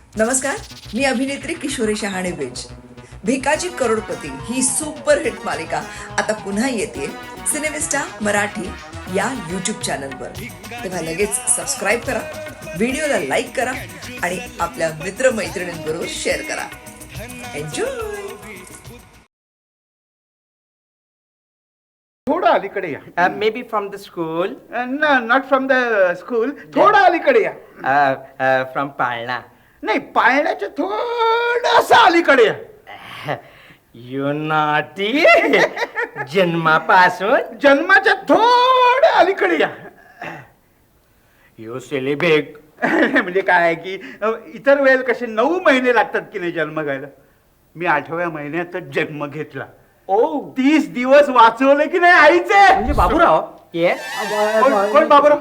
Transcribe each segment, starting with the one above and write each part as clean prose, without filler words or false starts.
नमस्कार, मी अभिनेत्री किशोरी शहाणे बेज. भिकाजी करोडपती ही सुपरहिट मालिका आता पुन्हा येते सिनेमिस्टा मराठी या यूट्यूब चॅनलवर. तेव्हा लगेच सबस्क्राईब करा, व्हिडिओला लाईक करा आणि आपल्या मित्रमैत्रिणींबरोबर शेअर करा. एन्जॉय. थोडं अलीकडे या. Maybe from the school. Not from the school. थोडं अलीकडे या. From पाळणा. नाही, पाळण्याच्या थोडस अलीकडे या. You naughty. जन्मापासून जन्माच्या थोडं अलीकडे या. You silly big. म्हणजे काय आहे की इतर वेळेला कसे 9 महिने लागतात की नाही जन्म घ्यायला, मी 8व्या महिन्यातच जन्म घेतला. Oh. 30 दिवस वाचवले की नाही आईचे. म्हणजे बाबूराव. Yes. कोण बाबूराव?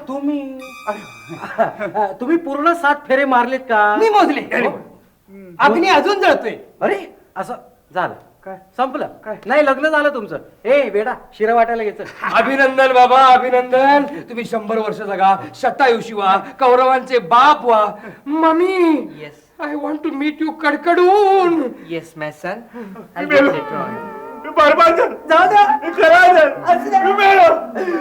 तुम्ही पूर्ण 7 फेरे मारलेत का? मी मोजले. अग्नी अजून जळतोय. अरे असं झालं काय? संपलं काय? नाही, लग्न झालं तुमचं. ए बेडा, शिरा वाटायला घ्यायचं. अभिनंदन बाबा, अभिनंदन. तुम्ही 100 वर्ष जगा, शतायुषी व्हा, कौरवांचे बाप व्हा. Mummy, Yes. I want to meet you कडकडून. Yes, my son. I'll get later on. बरबाद झालं. जाऊ द्या. खराब झालं. मी मेलो.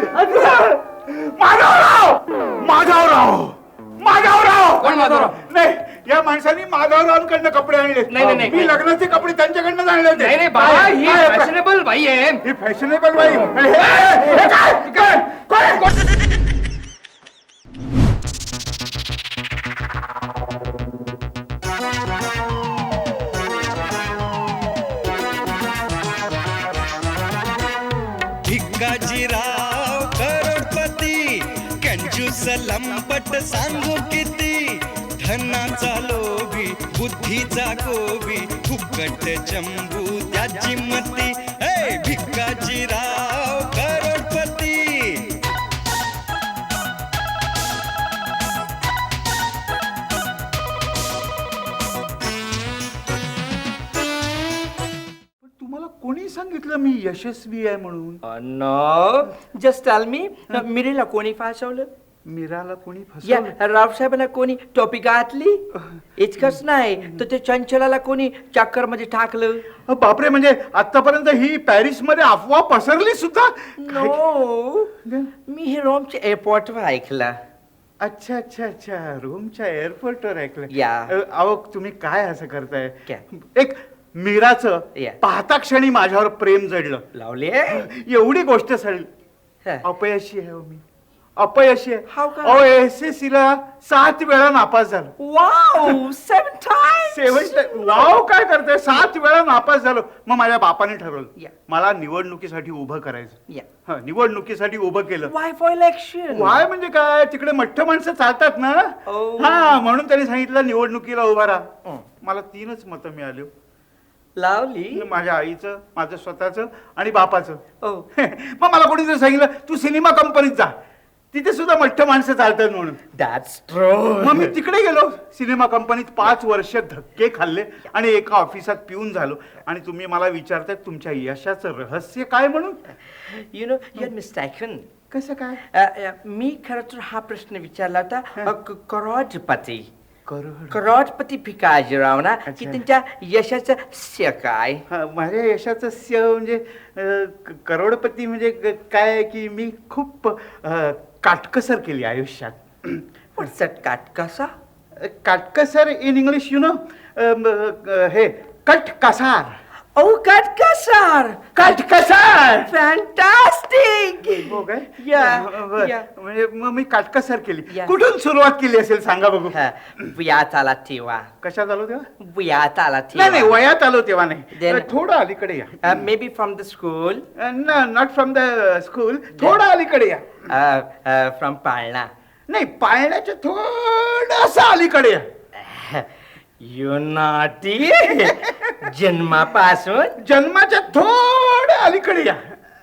माधवराव, माधवराव, माधवराव. कोण माधवराव? नाही, या माणसाने माधवरावांकडनं कपडे आणले. नाही, नाही. मी लग्नाचे कपडे त्यांच्याकडनं आणले होते. नाही नाही बाबा, काय? ही काय? फॅशनेबल बाई आहे. ही फॅशनेबल बाई. हे काय? काय? भिकाजीराव करोडपती, कंजूस लंपट सांगू किती, धनाचा लोभी बुद्धीचा गोबी, फुकट चंबू त्याची मती. हे भिकाजीराव करोडपती. तुम्हाला कोणी सांगितलं मी यशस्वी आहे म्हणून? No. Just tell me. मिरीला कोणी फासवलं? मीराला कोणी या फसवलं? रावसाहेबांना कोणी टोपी घातली? इतकंच नाही तर ते चंचलाला कोणी चक्कर मध्ये टाकलं? बापरे, म्हणजे आतापर्यंत ही पॅरिस मध्ये अफवा पसरली सुद्धा. नो. मी हे रोमच्या एअरपोर्टवर ऐकलं. अच्छा अच्छा अच्छा, रोमच्या एअरपोर्टवर ऐकलं. या. अहो, तुम्ही काय असं करताय? काय? एक मीराचं या. पाहता क्षणी माझ्यावर प्रेम जडलं. लावले. एवढी गोष्ट सडली. अपयशी आहे हो मी, अपयशी आहे. How come? अहो, SSC ला 7 वेळा नापास झालो. Wow, 7 times. 7 वाव, काय करताय? 7 वेळा नापास झालो. मग माझ्या बापाने ठरवलं या. मला निवडणुकीसाठी उभं करायचं. या. हं, निवडणुकीसाठी उभं केलं. Why for election? वाय म्हणजे काय, तिकडे मठ्ठ माणसं चालतात ना. Oh. हा, म्हणून त्यांनी सांगितलं निवडणुकीला उभा राहा. मला 3च मतं मिळाली. लावली. माझ्या आईचं, माझं स्वतःचं आणि बापाचं. Oh. मग मला कोणीतरी सांगितलं तू सिनेमा कंपनीत जा, तिथे सुद्धा मठ्ठ माणसं चालतात म्हणून. That's true. मग मी तिकडे गेलो. सिनेमा कंपनीत 5 वर्ष धक्के खाल्ले आणि एका ऑफिसात पिऊन झालो. आणि तुम्ही मला विचारताय तुमच्या यशाचं रहस्य काय म्हणून? You know, you're mistaken. कसं काय? मी खरं तर हा प्रश्न विचारला होता करोडपती. करोड. करोडपती भिकाजीराव ना, की अच्छा. त्यांच्या यशाचं श्रेय काय? हा, माझ्या यशाचं स्य म्हणजे करोडपती म्हणजे काय आहे की मी खूप काटकसर केली आयुष्यात. What's that काटकसा? काटकसर इन इंग्लिश यु नो, हे कटकसार. ओ काटकसार. काटकसार. फॅन्टास्टिक. हो काय? Yeah, बरं. yeah. म्हणजे मग मी काटकसर केली. Yeah. कुठून सुरुवात केली असेल सांगा बघू. वयात आला तेव्हा. कशात आलो तेव्हा? वयात आला नाही नाही, तेव्हा. वयात आलो तेव्हा नाही. Then- थोडं अलीकडे या. Maybe from the school. Not from the school. थोडं अलीकडे या. फ्रॉम पाळणा. नाही, पाळण्याच्या थोडस अलीकडे या. You naughty. जन्मापासून जन्माच्या थोडं अलीकडे या.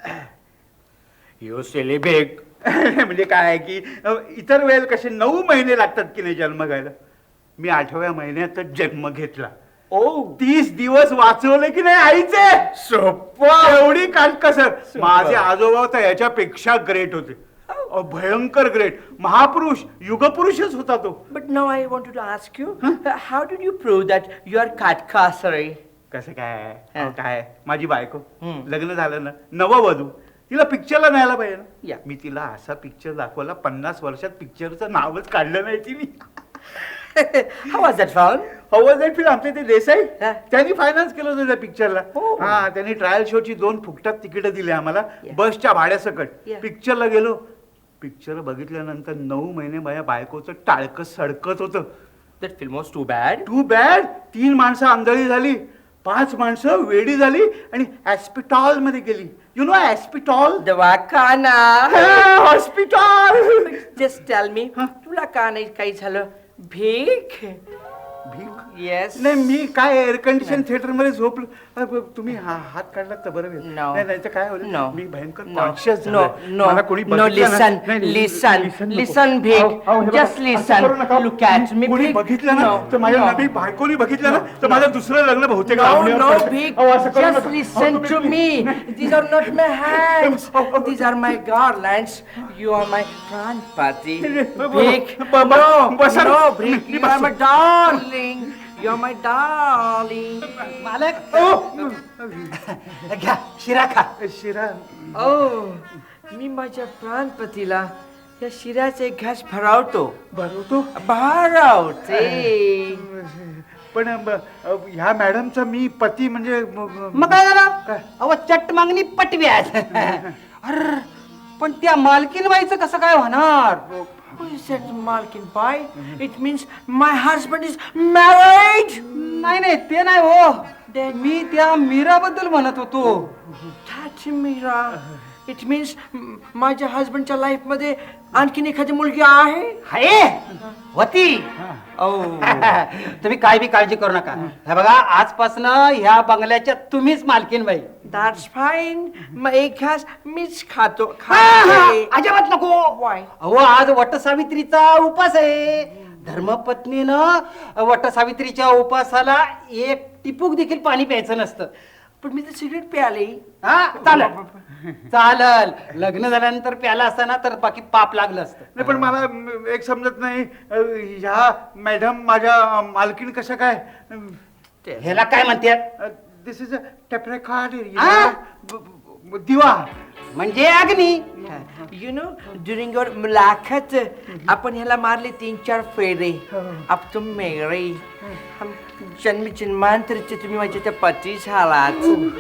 You silly big. म्हणजे काय आहे की इतर वेळेला कसे 9 महिने लागतात की नाही जन्म घ्यायला, मी 8व्या महिन्यातच जन्म घेतला. Oh. 30 दिवस वाचवले की नाही आईचे. सोपं. एवढी काटकसर. माझे आजोबा तर याच्यापेक्षा ग्रेट होते. भयंकर ग्रेट महापुरुष युगपुरुषच होता तो. But now I wanted to ask you, how did you prove that you are Katkasari? कसं काय हा. अहो, काय माझी बायको हम्म. लग्न झालं ना नववधू तिला पिक्चरला न्यायला पाहिजे ना. या. मी तिला असा पिक्चर दाखवला 50 वर्षात पिक्चरचं नावच काढलं नाही तिने. How was that found? हवं जाईल फिल्म आमच्या ते देसाई हा. त्यांनी फायनान्स केलं होतं त्या पिक्चरला. हो. हा त्यांनी ट्रायल शोची 2 फुकटात तिकीट दिली आम्हाला Yeah. बसच्या भाड्यासकट. Yeah. पिक्चरला गेलो पिक्चर बघितल्यानंतर 9 महिने माझ्या बायकोचं टाळकं सडकत होतं. That film was too bad. Too bad 3 माणसं आंधळी झाली 5 माणसं वेडी झाली आणि हॉस्पिटल मध्ये गेली. यु नो हॉस्पिटल दवाखाना. हॉस्पिटल. Just tell me, तुला का नाही काही झालं? भीक? भीक Yes. नाही मी काय एअर कंडिशन थिएटर मध्ये झोपलो. तुम्ही हात काढलात तर बरं होईल. No. नाही तर काय होईल No. मी भयंकर No. Conscious No. No. मला कोणी No. बघितलं ना- Listen. नाही, नाही, Listen. नको. Listen, Bhik. अहो, अहो, हे बघा, Just असं listen. करू नका. Look at me, कोणी Bhik. बघितलं ना No. तर माझ्या No. नवी बायकोनी बघितलं ना तर माझं दुसरं लग्न बहुतेक No, लांबणीवर no, पडतं. Bhik. अहो, असं करू Just नका. listen अहो, to तुम्ही- me. These are not my hands. These are my garlands. You are my Pranpati. Bhik. बाबा, No, बसा. no, Bhik. You are my darling. You're my darling. मालक अहो, घ्या शिरा खा. शिरा मी माझ्या प्राणपतीला या शिऱ्याचे घास भरावतो. भरवतो भरावते. पण ह्या मॅडमचा मी पती म्हणजे मग काय झालं अहो चट मागणी पटव्यात. अर पण त्या मालकीन बाईचं कसं काय होणार? Who is that Malkin Bai? It means my husband is married. नाही नाही ते नाही हो Then मी त्या मीराबद्दल म्हणत होतो. That Mira. It means माझ्या हस्बंडच्या लाईफ मध्ये आणखीन एखादी मुलगी आहे. हाय होती. तुम्ही काय बी काळजी करू नका. हे बघा आजपासून ह्या बंगल्याच्या तुम्हीच मालकीन बाई. That's fine. मग एक घास मीच खातो. अजिबात नको. Why? अहो आज वटसावित्रीचा उपास आहे. धर्मपत्नीनं वटसावित्रीच्या उपासाला एक टिपूक देखील पाणी प्यायचं नसतं. पण मी तर सिगरेट प्याले. हा चालल लग्न झाल्यानंतर प्याला असताना तर बाकी पाप लागलं असतं. नाही पण मला एक समजत नाही ह्या मॅडम माझ्या मालकीण कशा काय ह्याला काय म्हणतात? दिस इज अ टेपरेकार्ड आ? दिवा म्हणजे अग्नी. You know, during your मुलाखत आपण ह्याला मारले 3-4 फेरे. अब तुम मेरे हम जन्म जन्मांतरचे तुम्ही माझ्या त्या पती झालात.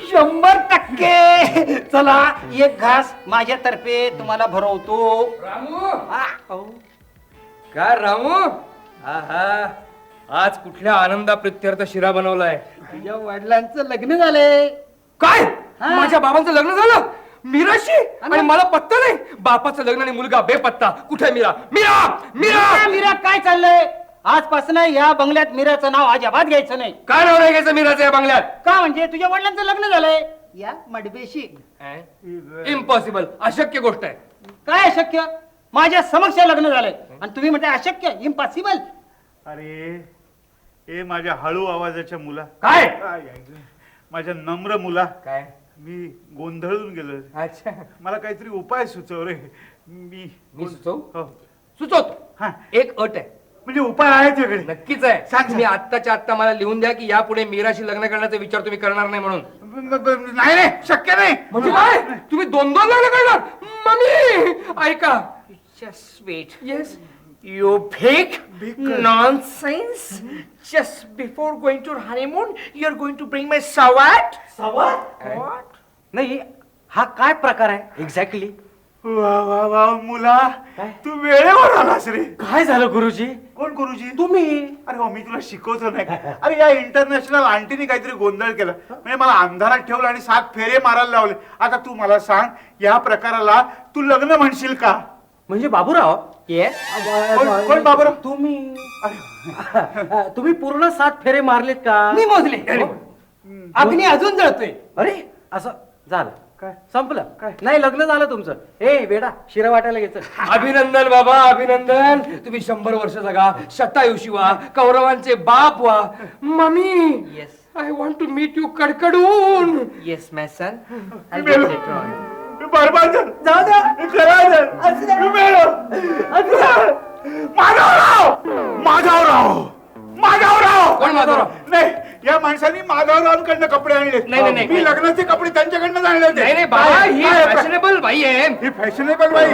100%. चला एक घास माझ्यातर्फे तुम्हाला भरवतो. रामू अहो, काय रामू आहा आज कुठल्या आनंदा प्रित्यर्थ शिरा बनवलाय? तुझ्या वडिलांचं लग्न झालंय. काय हा. माझ्या बाबांचं लग्न झालं मीराशी आणि मला पत्ता नाही. बापाचं लग्न आणि मुलगा बेपत्ता. कुठे मीरा? मीरा मीरा मीरा मीरा काय चाललंय? आजपासून या बंगल्यात मीराचं नाव अजिबात घ्यायचं नाही. काय नाव नाही घ्यायचं मीराचं या बंगल्यात? का म्हणजे तुझ्या वडिलांचं लग्न झालंय या मडबेशी. इम्पॉसिबल अशक्य गोष्ट आहे. काय अशक्य? माझ्या समक्ष लग्न झालंय आणि तुम्ही म्हणताय अशक्य इम्पॉसिबल. अरे ए माझ्या हळू आवाजाच्या मुला काय? माझ्या नम्र मुला काय? मी गोंधळून गेलो. अच्छा मला काहीतरी उपाय सुचव रे. मी हो. सुचवतो. हा. एक अट आहे. म्हणजे उपाय आहे तुझ्याकडे? नक्कीच आहे. सांग. तुम्ही आत्ताच्या आत्ता मला लिहून द्या की यापुढे मीराशी लग्न करण्याचा विचार तुम्ही करणार नाही म्हणून. नाही नाही शक्य नाही. म्हणजे काय? तुम्ही 2 लग्न करणार? मम्मी ऐका. just wait. Yes You big Big- nonsense. Just before going to honeymoon, you're going to bring my sawat? What? नाही हा काय प्रकार आहे एक्झॅक्टली? वा वा वा मुला काय? तू वेळेवर आलास रे. काय झालं गुरुजी? कोण गुरुजी? तुम्ही. अरे हो मी तुला शिकवतो नाही का? अरे या इंटरनॅशनल आंटीने काहीतरी गोंधळ केला म्हणजे मला अंधारात ठेवलं आणि 7 फेरे मारायला लावले. आता तू मला सांग या प्रकाराला तू लग्न म्हणशील का? म्हणजे बाबूराव. Yes. कोण बाबूराव? तुम्ही पूर्ण 7 फेरे मारलेत का? मी मोजले. अग्नी अजून जळतोय. अरे असं झालं काय? संपलं काय? नाही लग्न झालं तुमचं. ए वेडा शिरा वाटायला घ्यायचं. अभिनंदन बाबा अभिनंदन. तुम्ही 100 वर्ष जगा. शतायुषी व्हा. कौरवांचे बाप व्हा. Mummy Yes. I want to meet you कडकडून. Yes, my son. I'll get later on. मी बरबाद झालो. जाऊ द्या. मी खराब झालो. असू द्या. मी मेलो. असू द्या. माधवराव. कोण माधवराव? नाही, या माणसांनी माधवरावांकडनं कपडे आणले. नाही. मी लग्नाचे कपडे त्यांच्याकडनं आणले होते. नाही बाबा, ही फॅशनेबल बाई आहे. ही फॅशनेबल बाई.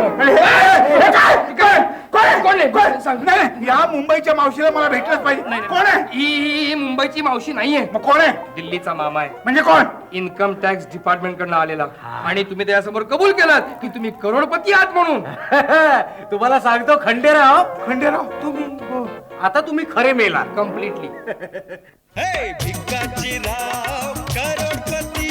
कोण आहे? सांग. नाही, या मुंबईच्या मावशीला मला भेटलंच पाहिजे. कोण आहे? ही मुंबईची मावशी नाहीये, मग कोण आहे? दिल्लीचा मामा आहे. म्हणजे कोण? इन्कम टॅक्स डिपार्टमेंट कडनं आलेला. आणि तुम्ही त्याच्यासमोर कबूल केलात की तुम्ही करोडपती आहात म्हणून. तुम्हाला सांगतो खंडेराव, खंडेराव. तुम्ही आता तुम्ही खरे मेला. कम्प्लिटली. हे भिकाजीराव करोडपती